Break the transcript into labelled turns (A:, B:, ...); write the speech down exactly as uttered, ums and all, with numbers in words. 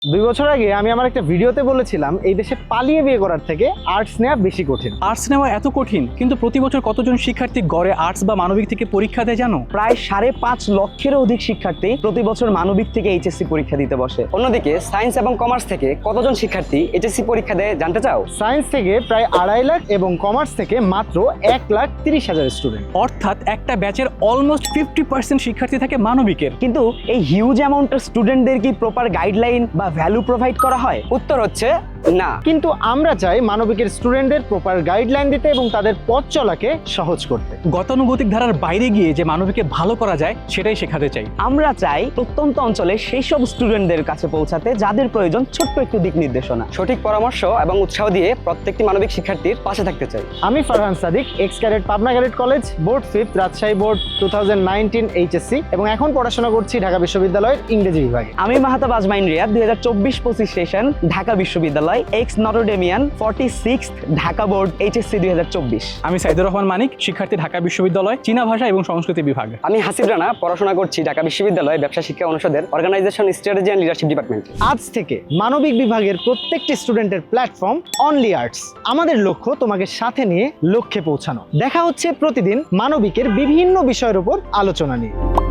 A: দুই বছর আগে আমি আমার একটা ভিডিওতে বলেছিলাম এই দেশে পালিয়ে বিয়ে করার থেকে আর্টস নেওয়া বেশি কঠিন।
B: আর্টস নেওয়া এত কঠিন, কিন্তু প্রতি বছর কতজন শিক্ষার্থী গড়ে আর্টস বা মানবিক থেকে পরীক্ষা দেয় জানো?
C: প্রায় সাড়ে পাঁচ লক্ষেরও অধিক শিক্ষার্থী প্রতি বছর মানবিক থেকে এইচএসসি পরীক্ষা দিতে বসে। অন্যদিকে সায়েন্স এবং কমার্স থেকে কতজন শিক্ষার্থী এইচএসসি পরীক্ষা দেয় জানতে চাও?
A: সায়েন্স থেকে প্রায় আড়াই লাখ এবং কমার্স থেকে মাত্র এক লাখ তিরিশ হাজার স্টুডেন্ট।
B: অর্থাৎ একটা ব্যাচের অলমোস্ট ফিফটি পার্সেন্ট শিক্ষার্থী থাকে মানবিকের।
C: কিন্তু এই হিউজ অ্যামাউন্টের স্টুডেন্টদের কি প্রপার গাইডলাইন বা ভ্যালু প্রোভাইড করা হয়? উত্তর হচ্ছে না।
A: কিন্তু আমরা চাই মানবিকের স্টুডেন্টদের প্রপার গাইডলাইন দিতে এবং তাদের পথ চলাকে সহজ করতে।
B: গতানুগতিক ধারার বাইরে গিয়ে যে মানবিকে ভালো করা যায় সেটাই শেখাতে চাই।
C: আমরা চাই প্রত্যন্ত অঞ্চলে সেই সব স্টুডেন্টদের কাছে পৌঁছাতে যাদের প্রয়োজন ছোট্ট একটু দিক নির্দেশনা, সঠিক পরামর্শ এবং উৎসাহ দিয়ে প্রত্যেকটি মানবিক শিক্ষার্থীর পাশে থাকতে চাই।
A: আমি Farhan Sadik, ex cadet Pabna cadet college, board fifth, Rajshahi board two thousand nineteen HSC, এবং এখন পড়াশোনা করছি ঢাকা বিশ্ববিদ্যালয়ের ইংরেজি বিভাগে।
C: আমি মাহাতাব আজমাইন রিয়াদ, দুই হাজার চব্বিশ পঁচিশ সেশন ঢাকা বিশ্ববিদ্যালয়, ex Notredamian, forty sixth Dhaka board HSC দুই হাজার চব্বিশ।
B: আমি সাইদুর রহমান মানিক, শিক্ষার্থী ঢাকা বিশ্ববিদ্যালয় চীনা ভাষা এবং সংস্কৃতি বিভাগ।
C: আমি হাসিব রানা, পড়াশোনা করছি ঢাকা বিশ্ববিদ্যালয় ব্যবসা শিক্ষা অনুষদের organisation strategy and leadership department.
A: আজ থেকে মানবিক বিভাগের প্রত্যেকটি স্টুডেন্টের প্ল্যাটফর্ম অনলি আর্টস। আমাদের লক্ষ্য তোমাকে সাথে নিয়ে লক্ষ্যে পৌঁছানো। দেখা হচ্ছে প্রতিদিন মানবিকের বিভিন্ন বিষয়ের উপর আলোচনা নিয়ে।